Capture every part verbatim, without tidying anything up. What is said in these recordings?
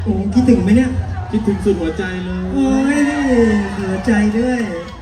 โอ้คิดถึงไหมเนี่ยคิดถึงสุดหัวใจเลยโอ้ยหัวใจด้วย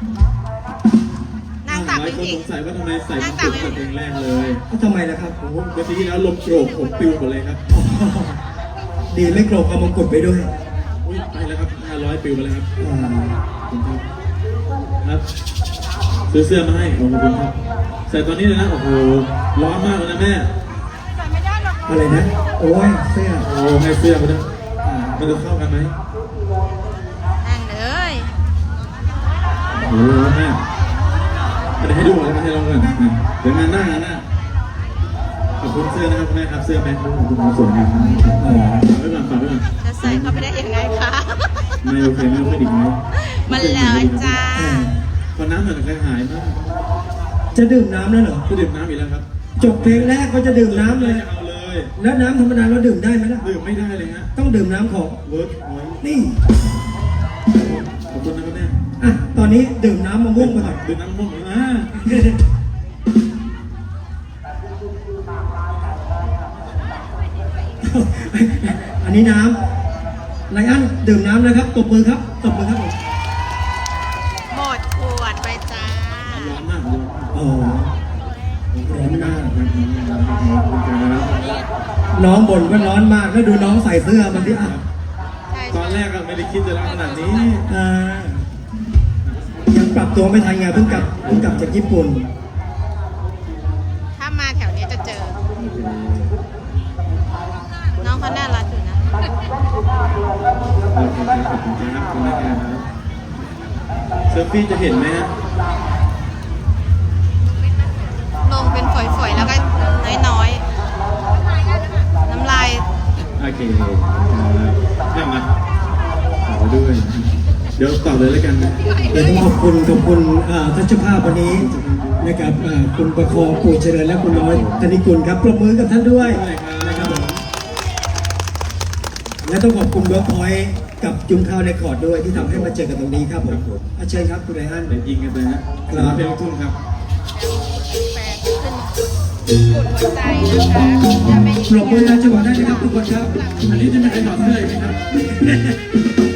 นางตักหลายคนจริสงงสัยว่าทำไมใส่นางชุตัดกแต่เพลงแรกเลยทำไมล่ะครับโอ้โหเมื่อกี้ที่แล้วลมโกรกผมปิวหมดเลยครับดีไม่โกรธเอามงกุฎไปด้วยอุ้ยไปแล้วครับห้าร้อยปิวไปแล้วครับอ่าขอบคุณครับครับซื้อเสื้อมาให้ขอบคุณครับใส่ตอนนี้เลยนะโอ้โหร้อนมากเลยนะแม่อะไรนะโอ้ยเสื้อโอ้ให้เสื้อมาด้วยอ่ามันจะเข้ากันไหมนั่งเลยโอ้โหแม่ไม่ได้ให้ดูเลยมาให้ลองก่อนอ่ะเดี๋ยวงานหน้างานหน้าขอบคุณเสื้อนะครับแม่ครับเสื้อแม่ขอบคุณครับสวยงามมากฝากไว้ก่อนฝากไว้ก่อนจะใส่เข้าไปได้ยังไงคะไม่โอเคไม่โอเคอีกไหมมันเลยจ้าพอน้ำหน่อยกระหายมากจะดื่มน้ำแล้วเหรอก็ดื่มน้ำอีกแล้วครับจบเพลงแรกก็จะดื่มน้ำเลยจะเอาเลยแล้วน้ำธรรมดาเราดื่มได้ไหมล่ะดื่มไม่ได้เลยฮะต้องดื่มน้ำของเวิร์กพอยต์นี่ขอบคุณนะครับแม่อ่ะตอนนี้ดื่มน้ำมะม่วงไปก่อนดื่มน้ำม่วงอ่าอันนี้น้ำไลอ้อนดื่มน้ำนะครับตบมือครับตบมือครับผมหมดขวดไปจ้าร้อนมากเลยโอ้ร้อนมากขอบคุณครับน้องบ่นว่าร้อนมากแล้วดูน้องใส่เสื้อมันที่อ่ะใช่ตอนแรกก็ไม่ได้คิดจะร้อนขนาดนี้อ่ายังปรับตัวไม่ทันไงเพิ่งกลับเพิ่งกลับจากญี่ปุ่นถ้ามาแถวนี้จะเจอ น้องเขาน่ารักอยู่นะขอบคุณครับขอบคุณครับขอบคุณนะครับเซลฟี่จะเห็นไหมฮะลงเป็นฝอยๆ แล้วก็น้อยๆ น้ำลายโอเคครับมาขอด้วยเดี๋ยวต่อเลยแล้วกันนะเดี๋ยวต้องขอบคุณขอบคุณอ่าทัชภาพวันนี้นะครับอ่าคุณประคองปู่เจริญและคุณน้อยธนิกุลครับปรบมือกับท่านด้วยนะครับผมและต้องขอบคุณเวิร์กพอยต์กับจุงข้าวในคอร์ดด้วยที่ทำให้มาเจอกันตรงนี้ครับผมอาเชิญครับคุณไรอันเดี๋ยวยิงกันเลยฮะครับเพลงลูกทุ่งครับแฟนขึ้นกดหัวใจนะคะจะไม่ปรบมือนะจังหวะได้นะครับทุกคนครับอันนี้จะไม่ให้ถอดเสื้ออีกไหมครับ